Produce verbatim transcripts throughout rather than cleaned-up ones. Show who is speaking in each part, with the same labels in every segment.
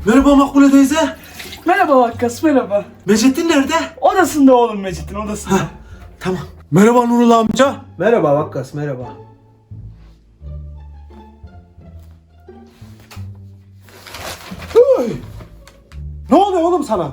Speaker 1: Merhaba Makbule teyze.
Speaker 2: Merhaba Vakkas, merhaba.
Speaker 1: Mecettin nerede?
Speaker 2: Odasında oğlum Mecit'in odasında.
Speaker 1: Heh, tamam. Merhaba Nurullah amca.
Speaker 3: Merhaba Vakkas, merhaba.
Speaker 1: Hey! Ne oluyor oğlum sana?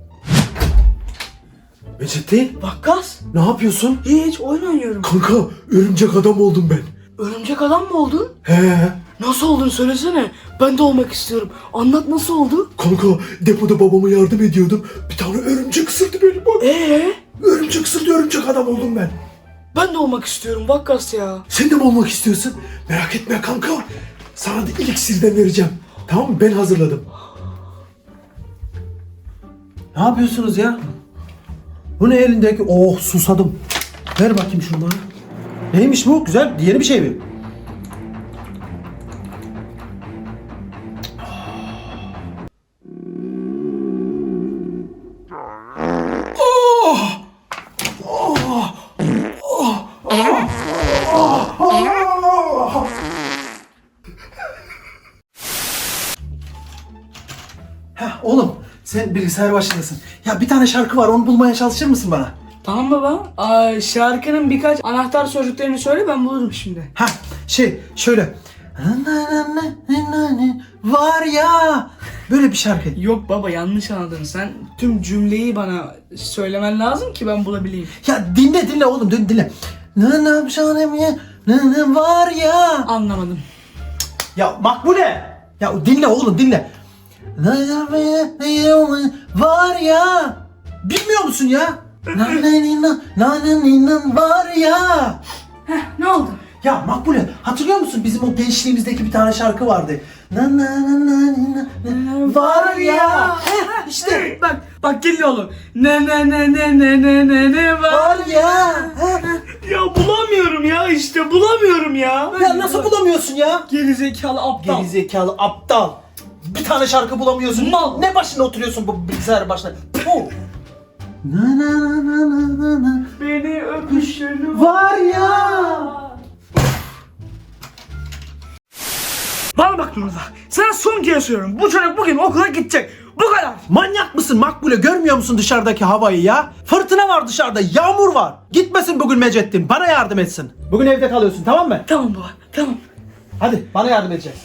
Speaker 1: Mecettin,
Speaker 2: Vakkas?
Speaker 1: ne yapıyorsun?
Speaker 2: Hiç oyun oynuyorum.
Speaker 1: Kanka, örümcek adam oldum ben.
Speaker 2: Örümcek adam mı oldun?
Speaker 1: He.
Speaker 2: Nasıl oldun söylesene. Ben de olmak istiyorum. Anlat nasıl oldu?
Speaker 1: Kanka, depoda babama yardım ediyordum. Bir tane örümcek ısırdı beni bak.
Speaker 2: Ee?
Speaker 1: Örümcek ısırdı, örümcek adam oldum ben.
Speaker 2: Ben de olmak istiyorum Vakkas ya.
Speaker 1: Sen de mi olmak istiyorsun? Merak etme kanka. Sana da iksirden vereceğim. Tamam mı? Ben hazırladım.
Speaker 3: Ne yapıyorsunuz ya? Bu ne elindeki? Oh, susadım. Ver bakayım şunu bana. Neymiş bu? Güzel, yeni bir şey mi? Heh, oğlum sen bilgisayar başındasın. Ya bir tane şarkı var, onu bulmaya çalışır mısın bana?
Speaker 2: Tamam baba. Aa, şarkının birkaç anahtar sözcüklerini söyle ben bulurum şimdi.
Speaker 3: Ha şey şöyle. Var ya. Böyle bir şarkı.
Speaker 2: Yok baba yanlış anladın. Sen tüm cümleyi bana söylemen lazım ki ben bulabileyim.
Speaker 3: Ya dinle dinle oğlum dinle dinle. Ne ne yapacağım ya? Ne ne var ya?
Speaker 2: Anlamadım.
Speaker 3: Ya Makbule. Ya dinle oğlum dinle. Ne var ya? Bilmiyor musun ya? Var ya.
Speaker 2: Heh ne oldu?
Speaker 3: Ya Makbule hatırlıyor musun bizim o gençliğimizdeki bir tane şarkı vardı. Na na na na na na var ya. Heh, işte
Speaker 2: Bak bak geliyor oğlum. Ne ne ne ne ne ne ne ne var.
Speaker 3: var ya. Heh.
Speaker 2: Ya bulamıyorum ya işte bulamıyorum ya.
Speaker 3: Ya nasıl bulamıyorsun ya?
Speaker 2: Geri zekalı aptal.
Speaker 3: Geri zekalı aptal. Bir tane şarkı bulamıyorsun.
Speaker 2: Mal.
Speaker 3: Ne başına oturuyorsun bu bilgisayar başına? Puh. Na na na na na na
Speaker 2: Beni öpüşün
Speaker 3: var ya.
Speaker 2: Bana bak Nurullah. Sana son kez söylüyorum. Bu çocuk bugün okula gidecek. Bu kadar.
Speaker 3: Manyak mısın Makbule? Görmüyor musun dışarıdaki havayı ya? Fırtına var dışarıda, yağmur var. Gitmesin bugün Mecettin, bana yardım etsin. Bugün evde kalıyorsun, tamam mı?
Speaker 2: Tamam baba tamam.
Speaker 3: Hadi bana yardım edeceksin.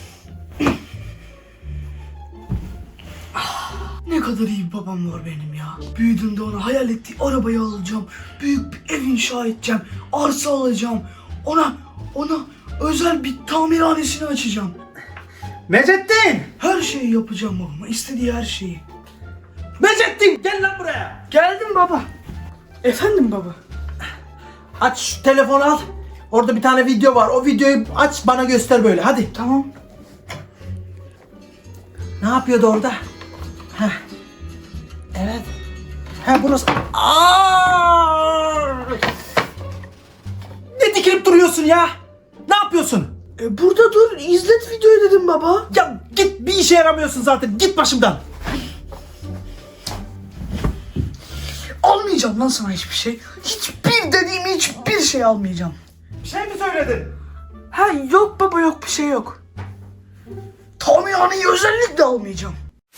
Speaker 2: Ne kadar iyi bir babam var benim ya. Büyüdüğümde ona hayal ettiği arabayı alacağım. Büyük bir ev inşa edeceğim. Arsa alacağım. Ona, ona özel bir tamirhanesini açacağım.
Speaker 3: Mecettin!
Speaker 2: Her şeyi yapacağım babama. İstediği her şeyi.
Speaker 3: Mecettin gel lan buraya.
Speaker 2: Geldim baba. Efendim baba.
Speaker 3: Aç şu telefonu al. Orada bir tane video var. O videoyu aç bana göster böyle. Hadi.
Speaker 2: Tamam.
Speaker 3: Ne yapıyordu orada? Heh. Evet. Ha burası. Aa! Ne dikilip duruyorsun ya? Ne yapıyorsun?
Speaker 2: E burada dur. İzlet videoyu dedim baba.
Speaker 3: Ya git, bir işe yaramıyorsun zaten. Git başımdan.
Speaker 2: Almayacağım lan sana hiçbir şey. Hiçbir dediğim hiçbir şey almayacağım.
Speaker 3: Bir şey mi söyledin?
Speaker 2: Ha yok baba yok bir şey yok. Tamirhaneyi özellikle almayacağım.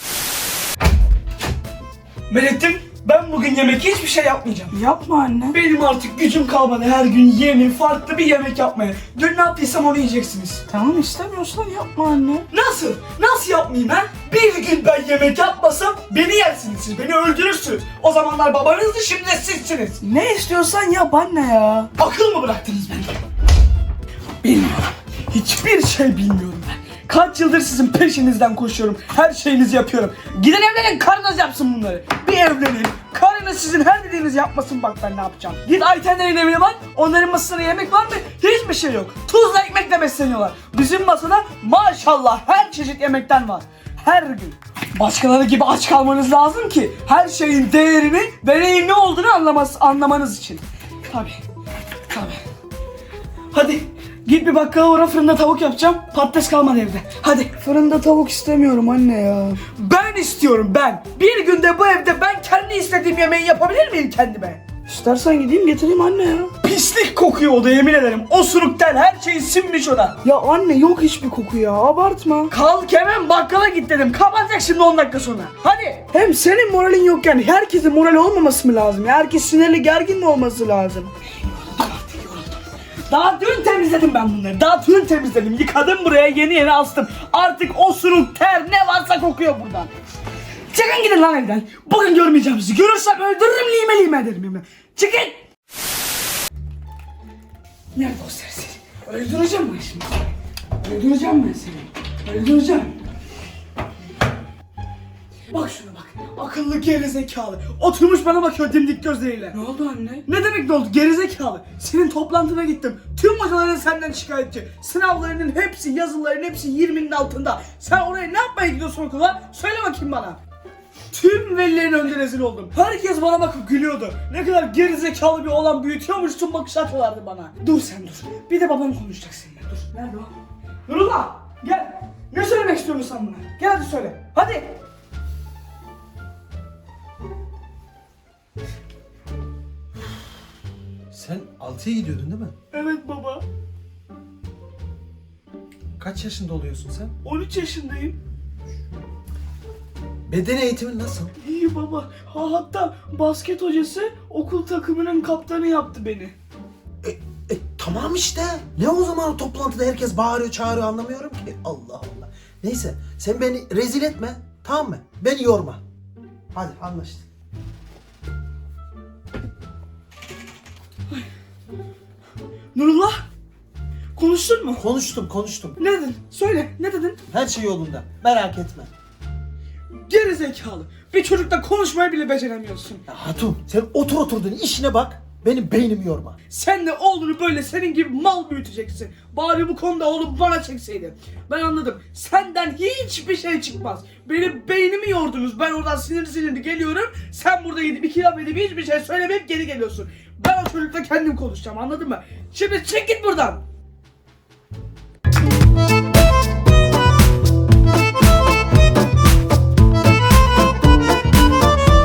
Speaker 2: Melek'tim ben bugün yemek hiçbir şey yapmayacağım. Yapma anne. Benim artık gücüm kalmadı her gün yeni farklı bir yemek yapmaya. Dün ne yaptıysam onu yiyeceksiniz. Tamam istemiyorsan yapma anne. Nasıl? Nasıl yapmayayım ha? Bir gün ben yemek yapmasam beni yersiniz siz, beni öldürürsünüz. O zamanlar babanızdı şimdi de sizsiniz. Ne istiyorsan yap anne ya. Akıl mı bıraktınız beni? Bilmiyorum. Hiçbir şey bilmiyorum ben. Kaç yıldır sizin peşinizden koşuyorum. Her şeyinizi yapıyorum. Gidin evlenin, karınız yapsın bunları. Bir evlenin. Karınız sizin her dediğinizi yapmasın, bak ben ne yapacağım. Git Aytenlerin evine bak. Onların masasında yemek var mı? Hiçbir şey yok. Tuzla ekmekle besleniyorlar. Bizim masada maşallah her çeşit yemekten var. Her gün. Başkaları gibi aç kalmanız lazım ki her şeyin değerini ve neyin ne olduğunu anlaması, anlamanız için. Tabii. Tabii. Hadi git bir bakkala uğra, fırında tavuk yapacağım. Patates kalmadı evde. Hadi. Fırında tavuk istemiyorum anne ya. Ben istiyorum ben. Bir günde bu evde ben kendi istediğim yemeği yapabilir miyim kendime? İstersen gideyim getireyim anne ya. Pislik kokuyor o da, yemin ederim. Osuruktan her şey sinmiş o da. Ya anne yok hiçbir koku ya, abartma. Kalk hemen bakkala git dedim. Kapatacak şimdi on dakika sonra. Hadi. Hem senin moralin yokken herkesin morali olmaması mı lazım? Herkes sinirli gergin mi olması lazım? Daha dün temizledim ben bunları. Daha dün temizledim. Yıkadım buraya, yeni yeni astım. Artık osuruk, ter ne varsa kokuyor buradan. Çıkın gidin lan evden. Bugün görmeyeceğim sizi. Görürsem öldürürüm, lime lime ederim yemin. Çıkın. Nerede o serseri? Öldüreceğim ben şimdi. Öldüreceğim ben seni. Öldüreceğim. Bak şuna bak. Akıllı gerizekalı. Oturmuş bana bakıyor dimdik gözleriyle. Ne oldu anne? Ne demek ne oldu? Gerizekalı. Senin toplantına gittim. Tüm hocaların senden şikayetçi. Sınavlarının hepsi, yazıların hepsi yirminin altında. Sen oraya ne yapmaya gidiyorsun okula? Söyle bakayım bana. Tüm velilerin önünde rezil oldum. Herkes bana bakıp gülüyordu. Ne kadar gerizekalı bir oğlan büyütüyormuşsun bakış atıyorlardı bana. Dur sen dur. Bir de babam konuşacak seninle. Dur. Nerede o? Nurullah gel. Ne söylemek istiyorsun sen buna? Gel hadi söyle. Hadi.
Speaker 3: Sen altıya gidiyordun değil mi?
Speaker 2: Evet baba.
Speaker 3: Kaç yaşında oluyorsun sen?
Speaker 2: on üç yaşındayım.
Speaker 3: Beden eğitimin nasıl?
Speaker 2: İyi baba. Ha, hatta basket hocası okul takımının kaptanı yaptı beni.
Speaker 3: E, e, tamam işte. Ne o zaman o toplantıda herkes bağırıyor çağırıyor anlamıyorum ki. Allah Allah. Neyse sen beni rezil etme, tamam mı? Beni yorma. Hadi anlaştık.
Speaker 2: Nurullah. Konuştun mu?
Speaker 3: Konuştum konuştum.
Speaker 2: Ne dedin? Söyle. Ne dedin?
Speaker 3: Her şey yolunda. Merak etme.
Speaker 2: Gerizekalı. Bir çocukla konuşmayı bile beceremiyorsun.
Speaker 3: Ya Hatun sen otur oturduğun işine bak. Benim beynimi yorma.
Speaker 2: Sen de oğlunu böyle senin gibi mal büyüteceksin. Bari bu konuda oğlum bana çekseydi. Ben anladım. Senden hiçbir şey çıkmaz. Benim beynimi yordunuz. Ben oradan sinirli sinirli geliyorum. Sen burada gidip iki laf edip hiçbir şey söylemeyip geri geliyorsun. Ben o çocukla kendim konuşacağım, anladın mı? Şimdi çık git buradan.